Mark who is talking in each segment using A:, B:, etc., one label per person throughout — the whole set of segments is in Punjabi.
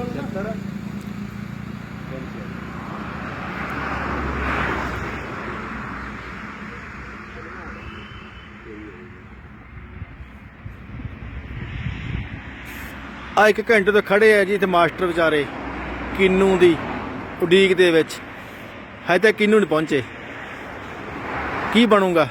A: ਆ 1 ਘੰਟੇ ਤੋਂ ਖੜੇ ਆ ਜੀ ਇੱਥੇ ਮਾਸਟਰ ਵਿਚਾਰੇ ਕਿੰਨੂ ਦੀ ਉਡੀਕ ਦੇ ਵਿੱਚ। ਹਜੇ ਤੱਕ ਕਿੰਨੂ ਨਹੀਂ ਪਹੁੰਚੇ। ਕੀ ਬਣੂਗਾ?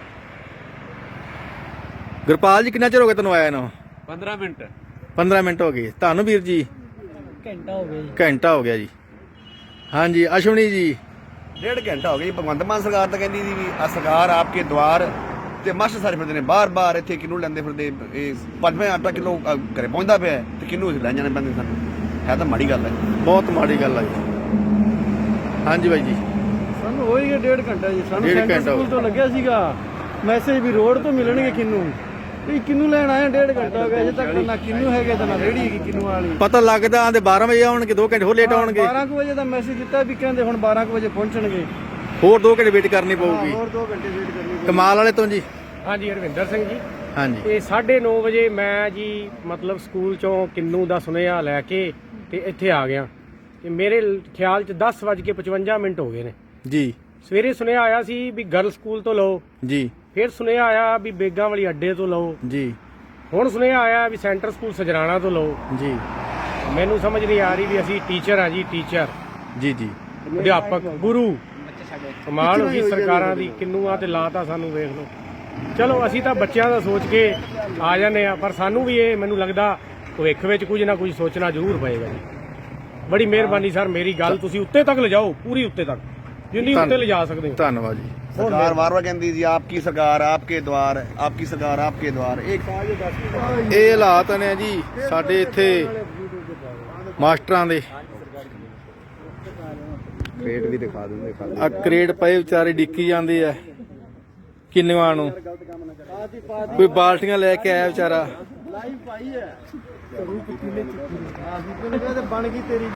A: ਗੁਰਪਾਲ ਜੀ ਕਿੰਨਾ ਚਿਰ ਹੋ ਗਿਆ ਤੈਨੂੰ ਆਇਆ ਨੂੰ?
B: 15 ਮਿੰਟ
A: 15 ਮਿੰਟ ਹੋ ਗਏ ਤੁਹਾਨੂੰ ਵੀਰ ਜੀ?
C: ਘੰਟਾ ਹੋ ਗਿਆ ਜੀ।
A: ਘੰਟਾ ਹੋ ਗਿਆ ਜੀ। ਹਾਂਜੀ ਅਸ਼ਵਨੀ ਜੀ?
D: 1.5 ਘੰਟਾ ਹੋ ਗਿਆ ਜੀ। ਭਗਵੰਤ ਮਾਨ ਸਰਕਾਰ ਤਾਂ ਕਹਿੰਦੀ ਸੀ ਵੀ ਆ ਸਰਕਾਰ ਆਪਕੇ ਦੁਆਰ ਤੇ ਮਾਸਟਰ ਸਾਰੇ ਫਿਰਦੇ ਨੇ ਬਾਰ-ਬਾਰ ਇੱਥੇ ਕਿੰਨੂ ਲੈਂਦੇ ਫਿਰਦੇ। ਇਹ 5-8 ਕਿਲੋ ਘਰੇ ਪਹੁੰਚਦਾ ਪਿਆ ਤੇ ਕਿੰਨੂ ਲੈ ਜਾਣੇ ਪੈਂਦੇ ਸਾਨੂੰ। ਹੈ ਤਾਂ ਮਾੜੀ ਗੱਲ ਹੈ,
A: ਬਹੁਤ ਮਾੜੀ ਗੱਲ ਹੈ ਜੀ। ਹਾਂਜੀ ਬਾਈ ਜੀ?
C: ਸਾਨੂੰ ਹੋ ਹੀ ਗਿਆ 1.5 ਘੰਟਾ ਜੀ। ਸਾਨੂੰ
A: 1.5
C: ਸੈਂਟਰ
A: ਘੰਟਾ
C: ਸਕੂਲ ਤੋਂ ਲੱਗਿਆ ਸੀਗਾ ਮੈਸੇਜ ਵੀ ਰੋਡ ਤੋਂ ਮਿਲਣਗੇ ਕਿੰਨੂ। ਵੀ ਕਿੰਨੂ ਲੈਣ ਆਏ 1.5 ਘੰਟਾ ਹੋ ਗਿਆ ਅਜੇ ਤੱਕ ਨਾ ਕਿੰਨੂ ਹੈਗੇ ਤੇ ਨਾ ਰੇੜੀ ਹੈਗੀ ਕਿੰਨੂ ਵਾਲੀ।
A: ਪਤਾ ਲੱਗਦਾ ਆਂਦੇ 12 ਵਜੇ ਆਉਣਗੇ, 2 ਘੰਟੇ ਹੋਰ ਲੇਟ ਆਉਣਗੇ।
C: 12 ਵਜੇ ਦਾ ਮੈਸੇਜ ਦਿੱਤਾ ਵੀ ਕਹਿੰਦੇ ਹੁਣ 12 ਵਜੇ ਪਹੁੰਚਣਗੇ।
A: ਹੋਰ 2 ਘੰਟੇ ਵੇਟ ਕਰਨੀ ਪਊਗੀ।
C: ਹੋਰ 2 ਘੰਟੇ ਵੇਟ ਕਰਨੀ।
A: ਕਮਾਲ ਵਾਲੇ ਤੋਂ ਜੀ?
E: ਹਾਂਜੀ ਹਰਵਿੰਦਰ ਸਿੰਘ ਜੀ।
A: ਹਾਂਜੀ।
E: ਤੇ 9:30 ਵਜੇ ਮੈਂ ਜੀ ਮਤਲਬ ਸਕੂਲ ਚੋਂ ਕਿੰਨੂ ਦਾ ਸੁਨੇਹਾ ਲੈ ਕੇ ਤੇ ਇੱਥੇ ਆ ਗਿਆ ਤੇ ਮੇਰੇ ਖਿਆਲ ਚ 10:55 ਹੋ ਗਏ ਨੇ
A: ਜੀ।
E: ਸਵੇਰੇ ਸੁਨੇਹਾ ਆਇਆ ਸੀ ਵੀ ਗਰਲ ਸਕੂਲ ਤੋਂ ਲਓ
A: ਜੀ।
E: ਫਿਰ ਸੁਨੇਹਾ ਆਇਆ ਵੀ ਬੇਗਾਂ ਵਾਲੀ ਅੱਡੇ ਤੋਂ ਲਓ।
A: ਜੀ।
E: ਹੁਣ ਸੁਨੇਹਾ ਆਇਆ ਵੀ ਸੈਂਟਰ ਸਕੂਲ ਸਜਰਾਣਾ ਤੋਂ ਲਓ।
A: ਜੀ।
E: ਮੈਨੂੰ ਸਮਝ ਨਹੀਂ ਆ ਰਹੀ ਵੀ ਅਸੀਂ ਟੀਚਰ ਆ ਜੀ, ਟੀਚਰ
A: ਜੀ। ਜੀ।
E: ਅਧਿਆਪਕ ਗੁਰੂ। ਕਮਾਲ ਹੋ ਗਈ ਸਰਕਾਰਾਂ ਦੀ। ਕਿੰਨੂਆਂ ਤੇ ਲਾਤਾ ਸਾਨੂੰ, ਵੇਖ ਲਓ। ਚਲੋ ਅਸੀਂ ਤਾਂ ਬੱਚਿਆਂ ਦਾ ਸੋਚ ਕੇ ਆ ਜਾਂਦੇ ਆ, ਪਰ ਸਾਨੂੰ ਵੀ ਇਹ ਮੈਨੂੰ ਲੱਗਦਾ ਭਵਿੱਖ ਵਿੱਚ ਕੁਝ ਨਾ ਕੁਝ ਸੋਚਣਾ ਜ਼ਰੂਰ ਪਏਗਾ ਜੀ। ਬੜੀ ਮਿਹਰਬਾਨੀ ਸਰ, ਮੇਰੀ ਗੱਲ ਤੁਸੀਂ ਉੱਤੇ ਤੱਕ ਲਿਜਾਓ, ਪੂਰੀ ਉੱਤੇ ਤੱਕ ਜਿੰਨੀ ਉੱਤੇ ਲਿਜਾ ਸਕਦੇ ਹੋ।
A: ਧੰਨਵਾਦ ਜੀ।
D: ਸਰਕਾਰ ਵਾਰ-ਵਾਰ ਕਹਿੰਦੀ ਜੀ ਆਪਕੀ ਸਰਕਾਰ ਆਪਕੇ ਦੁਆਰ, ਆਪਕੀ ਸਰਕਾਰ ਆਪਕੇ ਦੁਆਰ।
A: ਇਹ ਹਾਲਾਤ ਨੇ ਜੀ ਸਾਡੇ ਇੱਥੇ ਮਾਸਟਰਾਂ ਦੇ।
D: ਪੇਟ ਵੀ ਦਿਖਾ ਦਿੰਦੇ ਖਾਲੀ।
A: ਆ ਕਰੇਟ ਪਏ ਵਿਚਾਰੇ ਡਿੱਕੀ ਜਾਂਦੇ ਆ ਕਿੰਨੂਆਂ ਨੂੰ। ਕੋਈ ਬਾਲਟੀਆਂ ਲੈ ਕੇ ਆਇਆ ਵਿਚਾਰਾ।
C: ਲਾਈਵ ਪਾਈ ਹੈ। ਬਣ ਗਈ ਤੇਰੀ।